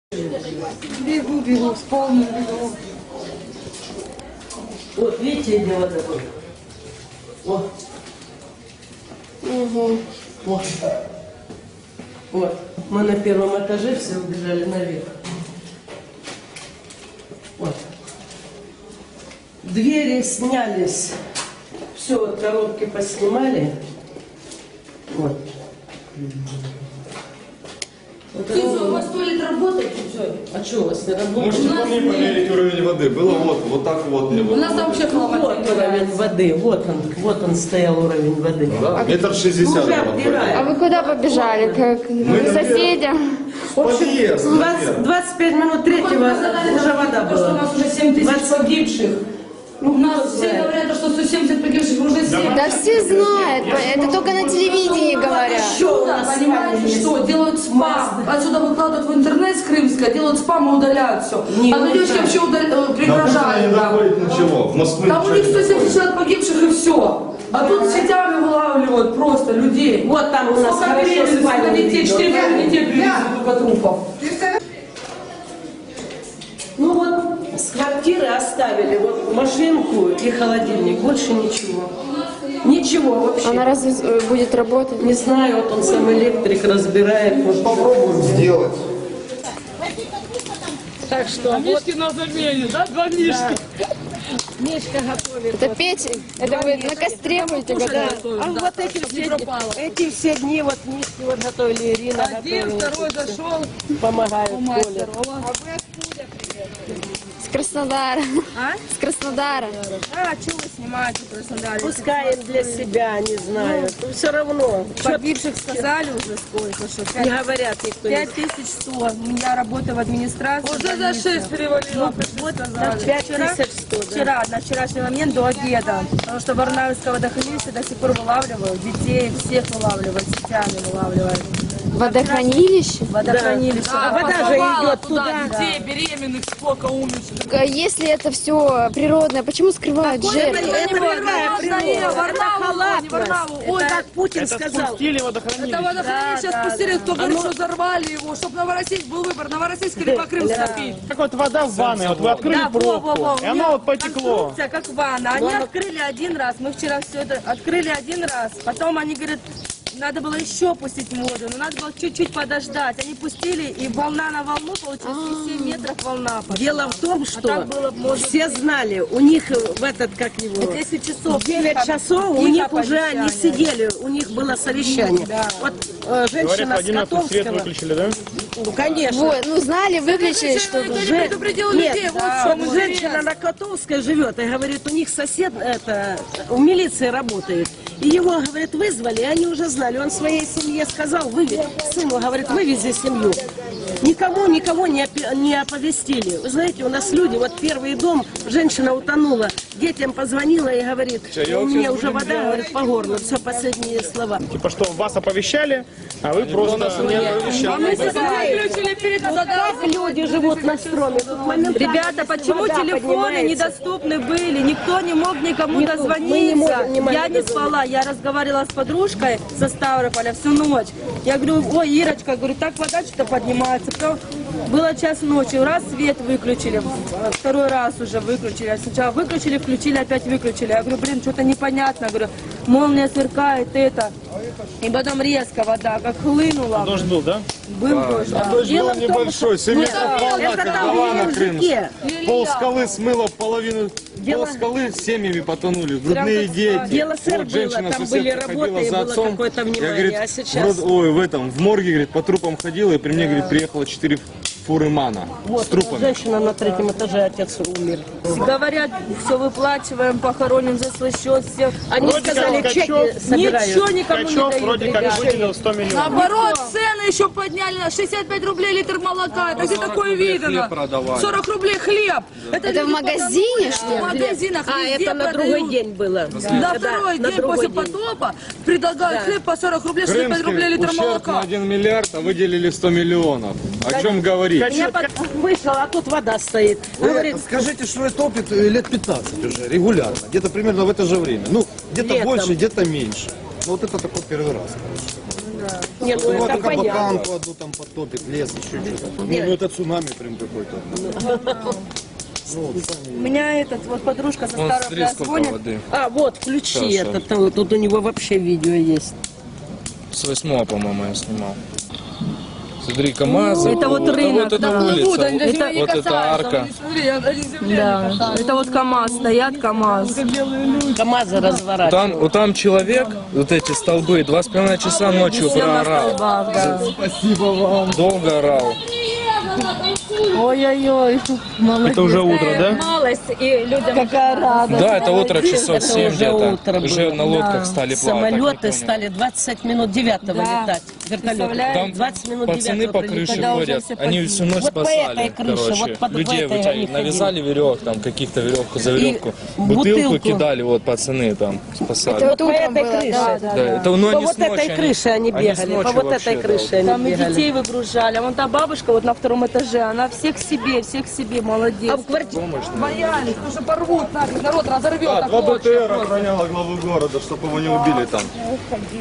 Бегу, с полным бегу. Вот, видите, где вода была? Вот. Угу. Вот. Вот. Мы на первом этаже все убежали наверх. Вот. Двери снялись. Все, вот коробки поснимали. Вот. У вас туалет работает? А что у вас не работает? Можете по мне померить уровень воды. Было вот так вот не У было. нас там вообще Вот уровень воды, вот он стоял уровень воды. Да, метр 60 Уже было. обдирают. А вы куда побежали? К соседям? Подъезд, наверное. 25 минут третьего уже вода То, что у была. нас уже 7 тысяч погибших. У нас все знает. говорят, что 170 погибших уже 7. Да все знают, это только на телевидении говорят. Что у нас, понимаете, что? Делают спам. Отсюда выкладывают в интернет с Крымска, делают спам и удаляют все. Не А люди вообще На пригрожали. не доходит ничего. В Москве Там у них ничего не 170 человек погибших и все. А тут сетями вылавливают просто людей. Вот там у нас Сколько хорошо перевезли, сколько спальные детей, видео. 4 детей привезли только трупов. Ну вот, с квартиры оставили вот машинку и холодильник, больше ничего. Ничего вообще. Она разве будет работать? Не знаю, вот он сам электрик разбирает. Вот. попробуем сделать. Так что вот Мишки на замене, да? Два Мишки. Мишка готовит. Это печь? Это вы на костре будете готовить? А вот эти все дни вот Мишки вот готовили, Ирина Один, готовила. второй зашел. Помогают Коля. Мастер. С Краснодара. А? С Краснодара. А, что вы снимаете в Краснодаре? Пускай им для себя, не знаю. Ну, все равно. Погибших сказали уже сколько, что Не говорят никто. 5100. Я работаю в администрации. Уже за 6 перевалило. Вот Так, 5100, да. вчера, на вчерашний момент до обеда. Потому что Барнаульское водохранилище до сих пор вылавливают. Детей всех вылавливают, сетями вылавливают. Водохранилище? Водохранилище. А вода же идет туда. Детей беременных сколько умерших. Если это все природное, почему скрывают жертв? Это какая природа? Варнаву, не Варнаву. Ой, Это как Путин сказал. это водохранилище спустили, кто говорит, что взорвали его, чтобы Новороссийск был выбор. Новороссийск или по Крыму скопить. Как вот вода в ванной, вот вы открыли Да, пробку, и У оно меня вот потекло. конструкция как ванна. Они открыли один раз. Мы вчера все это открыли один раз. Потом они говорят, надо было еще пустить воду, но надо было чуть-чуть подождать. Они пустили, и волна на волну, получилось, и 7 метров волна пошла. Дело в том, что так было, может все знали, у них в этот, как его, 10 часов. 9 часов, у тихо них уже совещание. они сидели, у них было совещание. Вот Говорят, в женщина с 11 свет Котовского, выключили, да? ну конечно. Вот, ну знали, выключили, что Никто не предупредил людей, вот в чем Женщина на Котовской живет и говорит, у них сосед это, в милиции работает. И его, говорит, вызвали, и они уже знали. Он своей семье сказал, сыну, говорит, вывези семью. Никому не оповестили. Вы знаете, у нас люди, вот первый дом, женщина утонула, детям позвонила и говорит, у меня уже вода, говорит, по горло. Все, последние слова. Типа что, вас оповещали, а вы просто... выключили перед Как люди живут на строме? Тут моментально Ребята, почему вода телефоны поднимается. недоступны были? Никто не мог никому Никто. дозвониться. Мы не могли Я не спала, я разговаривала с подружкой со Ставрополя всю ночь. Я говорю, ой, Ирочка, говорю, так вода что-то поднимается. Потом было час ночи, раз свет выключили, второй раз уже выключили. Сначала выключили, включили, опять выключили. Я говорю, блин, что-то непонятно. Я говорю, молния сверкает, это. И потом резко вода как хлынула. Дождь был, да? Был дождь, да. Дождь Дело был в том, небольшой, 7 метров волна, это как там Гавана в крымская. Ельнике. Пол скалы смыло половину, Дело- пол скалы с семьями потонули, грудные как дети. Дело сэр Вот было, женщина, там соседка, были ходила работы, и за было отцом. какое-то Я, внимание, говорит, а сейчас... в морге, говорит, по трупам ходила, и при мне, говорит, приехало 4 фуры мана с Вот, трупами. женщина на третьем этаже, отец умер. Говорят, все выплачиваем, похороним за свой счет всех. Они Вроде сказали, как чеки Качок- собирают. Ничего никому не Качок дают, вроде как ребят. выделил 100 миллионов. Наоборот, цены еще подняли на 65 рублей литр молока. Это где такое видно? 40 рублей хлеб. Это в люди магазине, потом что В ли? магазинах А, везде это на продают. другой день было. На второй на день другой после день. потопа предлагают хлеб по 40 рублей, 65 рублей Крымский литр ущерб на молока. 1 миллиард, а выделили 100 миллионов. О чем говорить? Я вышла, а тут вода стоит. Говорит, Скажите, что это топит лет 15 уже, регулярно, где-то примерно в это же время. Ну, где-то Летом. больше, где-то меньше. Но вот это такой первый раз, короче. Не, ну Ну, это это понятно. кабаканку одну там потопит, лес, еще что-то. Ну, это цунами прям какой-то. У меня вот подружка со Вон, смотри, Ставрополя сколько звонит. воды. А, вот, включи Хорошо. это. Тут у него вообще видео есть. С 8-го, по-моему, я снимал. Смотри, КамАЗы. Это вот рынок, Вот да. эта улица, Вот, они даже меня не вот эта касаются, арка. они, смотри, они землей Да, не касаются. это вот КамАЗ, стоят КамАЗ. КамАЗы разворачивают. Там, вот там человек, вот эти столбы, 2,5 часа ночью Все на проорал. столбах, да. Долго орал. Ой-ой-ой, молодец. Это уже утро, да? Малость, и людям какая радость. Да, это утро часов 7 уже где-то. утро Уже было. на лодках стали плавать. Самолеты так не стали 20 минут 9-го Да. летать. Вертолеты. Представляешь? Там 20 минут пацаны 9-го по крыше прилетали. Когда уже ходят. все Они всю ночь Вот по спасали. этой крыше, короче. вот под Людей этой они навязали веревок, там каких-то веревку за веревку. И Бутылку бутылку. кидали, вот пацаны там спасали. Вот По утром этой было, крыше. да. Да, это, ну, По они вот с ночи, этой крыше они с бегали, по ночи вот вообще, этой да. крыше они Там и бегали. детей выгружали. А вон та бабушка вот на втором этаже, она всех себе, молодец. А в квартире Боялись, потому что порвут нафиг, народ разорвет. Два окончик. БТР охраняла главу города, чтобы его не убили там.